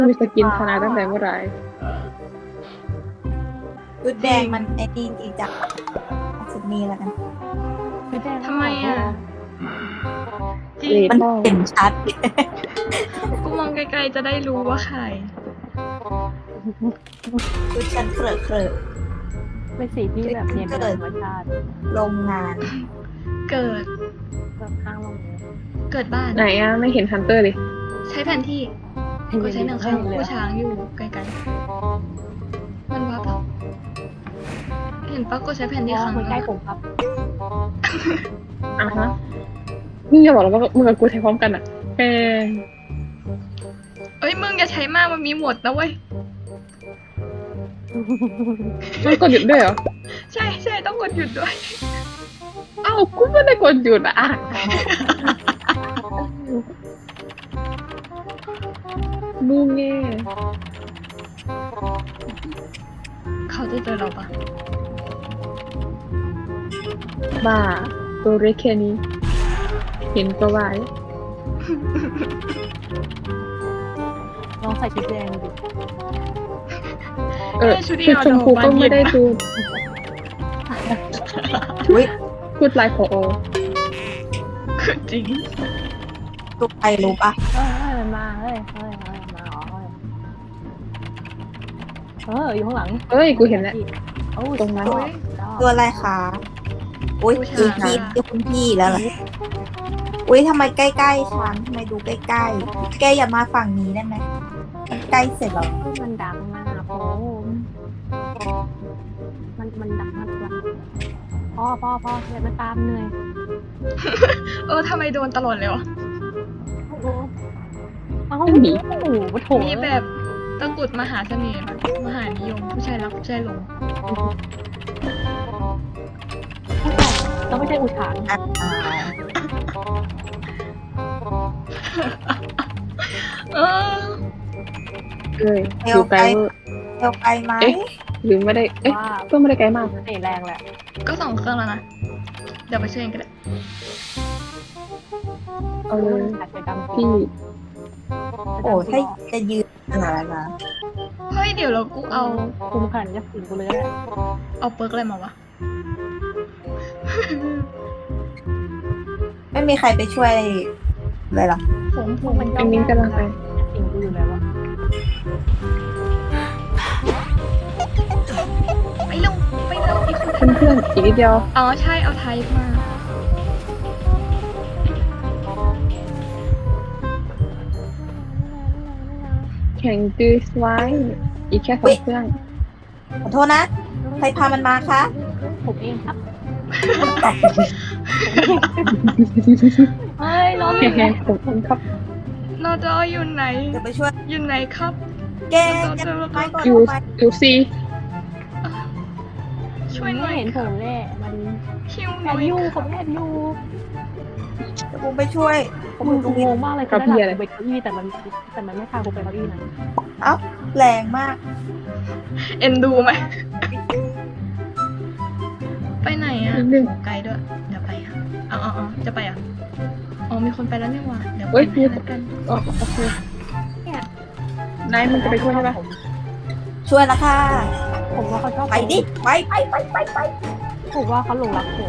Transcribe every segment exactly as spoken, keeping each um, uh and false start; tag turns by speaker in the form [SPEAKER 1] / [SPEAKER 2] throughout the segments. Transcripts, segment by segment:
[SPEAKER 1] มีสกินชนะตั้งแต่เมื่อไหร่
[SPEAKER 2] ชุดแดงมันไอ้นี่จริงจังชุดนี้แล้วกัน
[SPEAKER 3] ทำไมอ่ะจริง
[SPEAKER 2] มันเห็นชัด
[SPEAKER 3] กูมองไกลๆจะได้รู้ว่าใคร
[SPEAKER 2] ชุดฉันเคลอะเคลอะ
[SPEAKER 4] เป็นสีที่แบบเนียนเป็นธรรมชาติ
[SPEAKER 2] โรงงาน
[SPEAKER 3] เกิด
[SPEAKER 4] แบบข้างลงเลย
[SPEAKER 3] เกิดบ้าน
[SPEAKER 1] ไหนอ่ะไม่เห็นฮันเตอร์เลย
[SPEAKER 3] ใช้แผนที่กูใช้หนังข้างกูช้างอยู่ไกลๆมันวับเหรอเห็นปะกูใช้แผนที่
[SPEAKER 4] อ๋อ
[SPEAKER 3] ครั้ง
[SPEAKER 4] มันใกล้ผมครับ
[SPEAKER 1] อ่ะฮะมึงอย่าบอกแล้วว่ามึงกับกูใช้พร้อมกันอ่ะแก
[SPEAKER 3] เอ้ยมึงอย่าใช้มากมันมีหมดนะเว้ย
[SPEAKER 1] มันกดหยุดด้วยเหรอ
[SPEAKER 3] ใช่ใช่ต้องกดหยุดด้วย
[SPEAKER 1] อ้าวกูไม่ได้กดหยุดอ่ะมูเง่
[SPEAKER 3] เขาจะเจอเราปะ
[SPEAKER 1] บ้าตัวเล็กแค่นี้ เห็นก็ว่า
[SPEAKER 4] ลองใส่ชุดแดงดู
[SPEAKER 1] เออชุดชมพูก็ไม่ได้ดู
[SPEAKER 2] อุ้ย
[SPEAKER 1] พูดไลน์พอโอ
[SPEAKER 3] คือจริง
[SPEAKER 2] ทุกใครรู้ปะ
[SPEAKER 4] เฮ้ยเฮ้ยมันมาเฮ้ยเฮ้ยเฮ้ยมาอ๋อเฮ้ยเอออยู่ข้างหลัง
[SPEAKER 1] เอ้ยกูเห็นแล้ว
[SPEAKER 4] โอ้
[SPEAKER 1] ตรงนั้น
[SPEAKER 4] สุดยอด
[SPEAKER 2] ตัวอะไรคะอุ้ย
[SPEAKER 3] ผู้ชาย
[SPEAKER 2] คือพี่คือคุณพี่แล้วเหรออุ้ยทำไมใกล้ๆฉันทำไมดูใกล้ๆแกอย่ามาฝั่งนี้ได้ไหมมันใกล้เสร็จแล้ว
[SPEAKER 4] มันดังมากผมมันมันดังมากกว่าพ่อพ่อพ่อเดี๋ยวมันตามเหนื่อย
[SPEAKER 3] เออทำไมโดนตลอดเลยวะ
[SPEAKER 4] โอ้โหเอ้าหนีโอ้โหโถ
[SPEAKER 3] มีแบบตะกรุดมหาเสน่ห์แบบมหานิยมผู้ชายรักผู้ชายหลง
[SPEAKER 4] ต้องไม่ใช่อุทาน
[SPEAKER 2] อ่า
[SPEAKER 3] เออ
[SPEAKER 1] เอ้ยอยู่ไกลเวอร์
[SPEAKER 2] เร็วไปไหม
[SPEAKER 1] เอ๊ะ หรือไม่ได้ เอ๊ะ
[SPEAKER 4] ว่า
[SPEAKER 1] ก็ไม่ได้ไกลมาก
[SPEAKER 4] เสน่ห์แรงแหละ
[SPEAKER 3] ก็สองเครื่องแล้วนะ เดี๋ยวไปช่วยกันก็ได้
[SPEAKER 1] เอาเลย
[SPEAKER 4] อาจจะดำ
[SPEAKER 1] พี่
[SPEAKER 2] โอ้ถ้าจะยืนขนาดนั้นนะ
[SPEAKER 3] เฮ้ยเดี๋ยวเรากูเอา
[SPEAKER 4] คุมขนาดจะสิงกูเลยแหละ
[SPEAKER 3] เอาเปิร์กอะไรมาวะ
[SPEAKER 2] ไม่มีใครไปช่วยเลยเหรอ
[SPEAKER 3] ผมผ
[SPEAKER 4] พว
[SPEAKER 3] ม
[SPEAKER 4] กมัน
[SPEAKER 1] อันนี้กำลังไป
[SPEAKER 4] สิงกูอยู่แล้วอะ
[SPEAKER 3] ไปเร็วไปเร็วอีกคน
[SPEAKER 1] เพื่อนๆอีกนิดเดียว
[SPEAKER 3] อ๋อใช่เอาไทป์มา
[SPEAKER 1] แข่งจื้อไว้ อีกแค่สองเครื่อง
[SPEAKER 2] ขอโทษนะ ใครพามันมาคะ
[SPEAKER 4] ผมเองครับเฮ้ยน้อง
[SPEAKER 1] แข่งผมเองครับ
[SPEAKER 3] นอจออยู่ไหน
[SPEAKER 2] เดี๋ยวไปช่วย
[SPEAKER 3] อยู่ไหนครับ
[SPEAKER 2] แกแกไปก่อน
[SPEAKER 1] อยู่
[SPEAKER 2] ไป
[SPEAKER 1] อยู่ซี
[SPEAKER 3] ช่วยหน่
[SPEAKER 4] ไม่
[SPEAKER 3] อย
[SPEAKER 4] เห็นผมแน่มัน
[SPEAKER 3] คิวห
[SPEAKER 4] แอ
[SPEAKER 3] น่อบ ย
[SPEAKER 4] ยูผมแอบยู
[SPEAKER 2] เดี๋ยวผมไปช่วย ผม
[SPEAKER 4] มึ
[SPEAKER 2] อง ยู่ตรง
[SPEAKER 4] ง
[SPEAKER 2] นี้
[SPEAKER 4] งมากเลยคือด้านหลังกูไปเก้าอี้แต่มันแต่มันไม่พากูไปเก้าอี้นะ
[SPEAKER 2] เอ้าแรงมาก
[SPEAKER 3] เอ็นดูไหม ไปไหนอ่ะ
[SPEAKER 1] นิดนึง
[SPEAKER 3] ไกลด้วย เดี๋ยวไปอ่ะอ๋ออ๋ออ๋อจะไปอ่ะ อ๋อมีคนไปแล้วนี่หว่าเดี๋ยวไป
[SPEAKER 1] เฮ้ย
[SPEAKER 3] ไหนแล้วกัน
[SPEAKER 1] อ๋อโอเค นายมันจะไปช่วยใช่ปะ
[SPEAKER 2] ช่วยละค่ะ
[SPEAKER 4] ผมว่าเขาชอบ
[SPEAKER 2] ไปดิ ไปไปไปไปไป
[SPEAKER 4] ผมว่าเขาหลงรักผม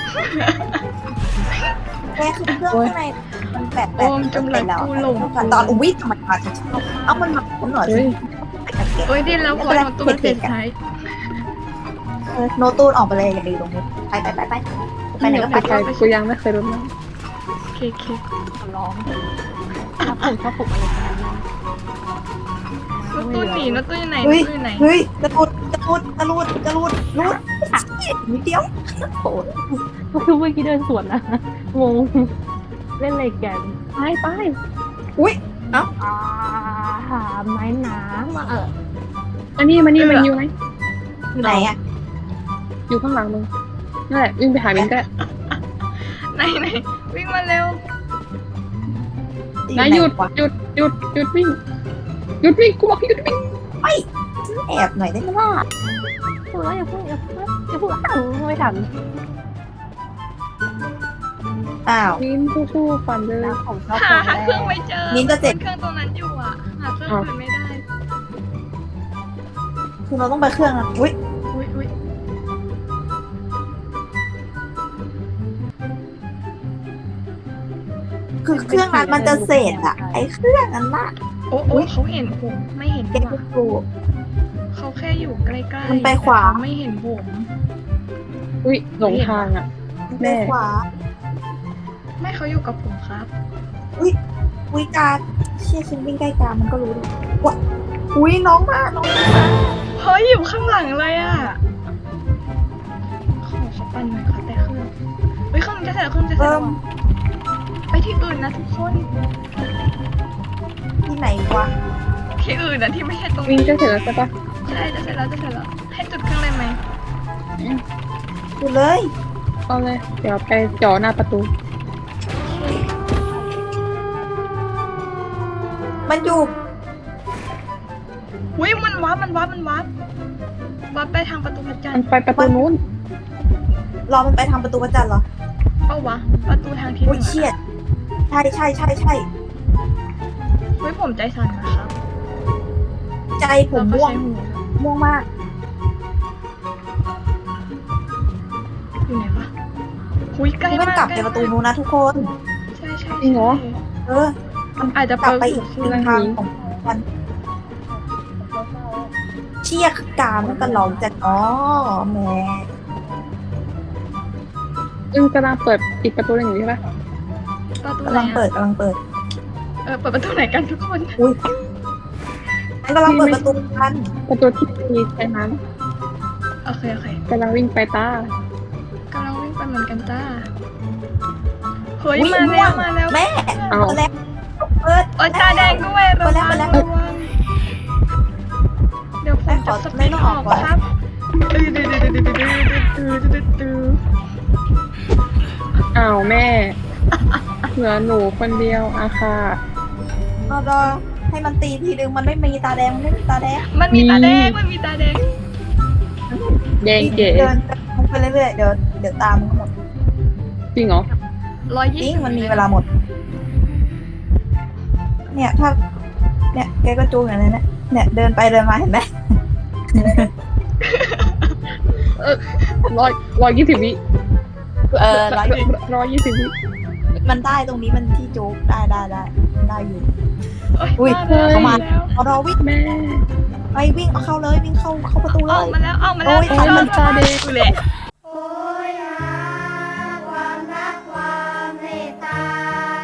[SPEAKER 2] แกคือเครื่องข้างในมันแปดแป
[SPEAKER 3] โอ
[SPEAKER 2] ด
[SPEAKER 3] มจำหลักกูหลง
[SPEAKER 2] ตอนอุ้ยทำไมมาจะชอบเอามันมาผมหน่อย
[SPEAKER 1] เฮ้
[SPEAKER 2] สิ
[SPEAKER 1] ย
[SPEAKER 2] ไปกันเก็บ
[SPEAKER 3] โอ้ยดิ้นแล้วพอโดนตัวมันเสียท้าย
[SPEAKER 2] เออโนตูนออกไปเลยอย่าไปตรงนี้ ไปไปไปไปไปไหนก็ไป
[SPEAKER 1] ไปกูยังไม่เคยรู้นะ
[SPEAKER 3] โอเคโอเค
[SPEAKER 4] ขอร้องถ้าผมชอบผมอะไรขนาดนั้น
[SPEAKER 3] แล้วตัวหนีแล้วตัวอยู่ไหน
[SPEAKER 2] เฮ้ย
[SPEAKER 3] ตัวอยู่ไหน
[SPEAKER 2] เฮ้ยกระตุดกระตุดกระลุดกระลุดลุดนิดเดียวโอ้ย
[SPEAKER 4] ก็คือเมื่อกี้เดินสวนนะงงเล่นอะไรกัน
[SPEAKER 1] ไปไป
[SPEAKER 2] อุ้ย
[SPEAKER 4] อ่าหาไม้น้ำมาเออ
[SPEAKER 1] อันนี้มันนี่มันอยู่ไหม
[SPEAKER 2] อยู่ไหนอ่ะ
[SPEAKER 1] อยู่ข้างหลังมึงนั่นแหละวิ่งไปหาบินก็ได้
[SPEAKER 3] ไหนไหนวิ่งมาเร็ว
[SPEAKER 1] นายหยุดหยุดหยุดหยุดวิ่งหยุดวิ่งกูบอกให้หยุดวิ่ง
[SPEAKER 2] แอบหน่อยได้ไหมล่ะ
[SPEAKER 4] พูดแล้วอย่าพูดอย่าพูดอย่าพูดอ้าวไม่ทัน
[SPEAKER 2] อ้าว
[SPEAKER 1] วินสู้ๆฟันเลย
[SPEAKER 4] แล้วผมชอบ
[SPEAKER 3] หา
[SPEAKER 4] คน
[SPEAKER 3] หา
[SPEAKER 4] แร
[SPEAKER 3] เครื่อง
[SPEAKER 4] ก
[SPEAKER 3] ไม่เจอ
[SPEAKER 2] มิ้นจะเจ็บ
[SPEAKER 3] เครื่องตรงนั้นอยู่อ่ะ หาเครื่องอื่นไม่ได้
[SPEAKER 2] คือเราต้องไปเครื่องนะอุ้ย
[SPEAKER 3] อุ้ยอุ้ย
[SPEAKER 2] คือเครื่องนั้นมันจะเสร็จอะไอ้เครื่องนั้นน่ะ
[SPEAKER 3] โอ้โอ้เขาเห็นผมไม่เห็น
[SPEAKER 2] แก
[SPEAKER 3] ดีก
[SPEAKER 2] ก็
[SPEAKER 3] ว่า
[SPEAKER 2] ปลูก
[SPEAKER 3] เขาแค่อยู่ใกล้ๆ
[SPEAKER 2] มันไปขวา
[SPEAKER 3] แต่เขไม่เห็นผม
[SPEAKER 1] อุ้ยหลงทางอ่ะ
[SPEAKER 2] ไป
[SPEAKER 1] แม่
[SPEAKER 2] ขวา
[SPEAKER 3] ไม่เขาอยู่กับผมครับ
[SPEAKER 2] อุ้ยกาเชี่ยฉันวิ่งใกล้กามันก็รู้ดิว้าอุ้ยน้องมาน้องมา
[SPEAKER 3] เฮ้ยอยู่ข้างหลังเลยอ่ะขอเขาปั่นหน่อยขอแต่เครื่องเฮ้ยเครื่องจะเสร็จแล้วเครื่องจะเสร็จ
[SPEAKER 2] เอิ่
[SPEAKER 3] แล้ว
[SPEAKER 2] ม
[SPEAKER 3] อะไปที่อื่นนะทุกคน
[SPEAKER 2] ที่ไหนวะ
[SPEAKER 3] ที่อื่นนะที่ไม่ใช่ตรง
[SPEAKER 1] วิ่ง
[SPEAKER 3] นี้
[SPEAKER 1] จะเสร็จแล้วใช่ปะ
[SPEAKER 3] ใช่จะเสร็จแล้วจะเสร็จแล้วให้จุดเครื่องเลยไหม
[SPEAKER 2] อยู่เลย
[SPEAKER 1] เอาเลย เดี๋ยวไปจ่อหน้าประตู
[SPEAKER 2] มันอยู่
[SPEAKER 3] อุ้ยมันวับมันวับมันวับวับไปทางประตูพระจันท
[SPEAKER 1] มัน
[SPEAKER 3] ร์
[SPEAKER 1] ไปประตูนู้น
[SPEAKER 2] รอมันไปทางประตูพระจันทร์เหรอ
[SPEAKER 3] เป้าวะประตูทางที่เห
[SPEAKER 2] อุ้ย
[SPEAKER 3] นื
[SPEAKER 2] เชี่ย
[SPEAKER 3] อ
[SPEAKER 2] ใช่ใช่ใช่ใช่
[SPEAKER 3] เฮ้ยผมใจสั่นนะครับ
[SPEAKER 2] ใจผม
[SPEAKER 3] แล้วก็
[SPEAKER 2] ม่วง
[SPEAKER 3] ใช้หู
[SPEAKER 2] ม่วงมาก
[SPEAKER 3] อยู่ไหนวะหุยใกล้
[SPEAKER 2] นี่มัน
[SPEAKER 3] มาก
[SPEAKER 2] กลับ
[SPEAKER 3] ใก
[SPEAKER 2] ไป
[SPEAKER 3] ล้
[SPEAKER 2] ประตู
[SPEAKER 3] มาก
[SPEAKER 2] นู้นนะทุกคน
[SPEAKER 3] ใช่ใช่
[SPEAKER 1] จริงเหรอ
[SPEAKER 3] ใช่
[SPEAKER 2] เออ มัน
[SPEAKER 3] อาจจะ
[SPEAKER 2] กลับไป
[SPEAKER 3] เปิด
[SPEAKER 2] อีก
[SPEAKER 3] หู
[SPEAKER 2] ทางของมันเชี่ยกามันก็หลอกจัดอ๋อแหม่
[SPEAKER 1] อึ้งกำลังเปิดอีกประตูหนึ่งอยู่ใช่ปะ
[SPEAKER 3] ประตูไหน
[SPEAKER 2] กำลังเปิ
[SPEAKER 3] อะ
[SPEAKER 2] ดกำลังเปิด
[SPEAKER 3] เออเปิดประตูไหนกันทุกคน
[SPEAKER 2] อุ้ยมันกำลังเปิดประตูกัน
[SPEAKER 1] ประตูที่มีแค่นั้น
[SPEAKER 3] โอเคโอเค
[SPEAKER 1] กำลังวิ่งไปตาก
[SPEAKER 3] ำลังวิ่งไปเหมือนกันจ้าเฮ้ย
[SPEAKER 2] อุ๊ย
[SPEAKER 3] มา
[SPEAKER 2] ม่
[SPEAKER 3] แล้ว ว
[SPEAKER 2] ง
[SPEAKER 3] มาแล้ว
[SPEAKER 2] แม่
[SPEAKER 1] เอา
[SPEAKER 2] เปิดแล้วเปิด
[SPEAKER 3] โอ้ยตาแดงด้วยระ
[SPEAKER 2] เปิดแล้ว
[SPEAKER 3] วัง
[SPEAKER 2] เปิดแล้ว
[SPEAKER 3] ระวังเดี๋ยวผม
[SPEAKER 2] แม่ข
[SPEAKER 3] จะ
[SPEAKER 2] อ
[SPEAKER 3] ส
[SPEAKER 2] ไม่
[SPEAKER 3] ปีด
[SPEAKER 2] ต้อง
[SPEAKER 3] อ
[SPEAKER 2] อ
[SPEAKER 3] อ
[SPEAKER 2] อก
[SPEAKER 3] ก
[SPEAKER 2] ก่อน
[SPEAKER 3] ครับตื้อตื้อตื้อตื้อตื้อตื้อตื้อตื้อ
[SPEAKER 1] อ้าวแม่ เหลือหนูคนเดียวอาค่ะ
[SPEAKER 2] เอาดอให้มันตีทีนึงมันไม่มีตาแดงมันไม่มีตาแดง
[SPEAKER 3] มันมีตาแดงมันมีตาแดง
[SPEAKER 1] แดงเก๋
[SPEAKER 2] เดินไปเรื่อยๆเดี๋ยวเดี๋ยวตามมันหมด
[SPEAKER 1] จริงเหรอ
[SPEAKER 3] ร้อย
[SPEAKER 2] จ
[SPEAKER 3] ยี่
[SPEAKER 2] ริง
[SPEAKER 3] สิบ
[SPEAKER 2] มันมีเวลาหมด เนี่ยถ้าเนี่ยแกก็จูงอย่างนั้นนะเนี่ยเดินไปเดินมาเห็นไหม
[SPEAKER 1] ร้อยร้อยยี่สิบวิ
[SPEAKER 2] เออร้อย
[SPEAKER 1] ร้อยยี่สิบวิ
[SPEAKER 2] มันได้ตรงนี้มันที่จูงได้ได้ได้ได้อยู่ อุ้
[SPEAKER 3] อุ้
[SPEAKER 2] ย
[SPEAKER 3] ยมา
[SPEAKER 2] เข้ามา
[SPEAKER 3] แล้ว
[SPEAKER 2] เอารอวิ่ง
[SPEAKER 1] แม่
[SPEAKER 2] ไปวิ่งเอาเข้าเลยวิ่งเข้าเข้าประตูเล
[SPEAKER 3] ออก
[SPEAKER 2] ย
[SPEAKER 3] มาแล้วออกมาแล้ว
[SPEAKER 2] โอ้ย
[SPEAKER 1] โอ้ยมันตาแดง
[SPEAKER 3] กูแหละ
[SPEAKER 5] โอ้ยหาความรักความเมตตา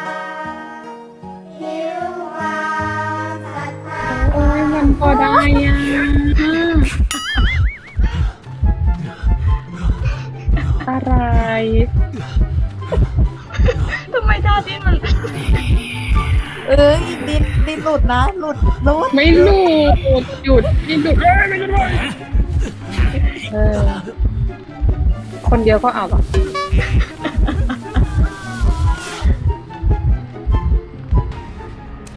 [SPEAKER 5] หิวความศรัทธา
[SPEAKER 1] โอ้ยมันพอได้อ่ะอะไร
[SPEAKER 3] ทำไมท่าดิ้นมัน
[SPEAKER 2] เอ้ยดินดินหลุดนะหลุดหลุด
[SPEAKER 1] ไม่หลุดหยุดไม่หยุดเอ้ยไม่หยุดเลยเออคนเดียวก็เอาอ่ะ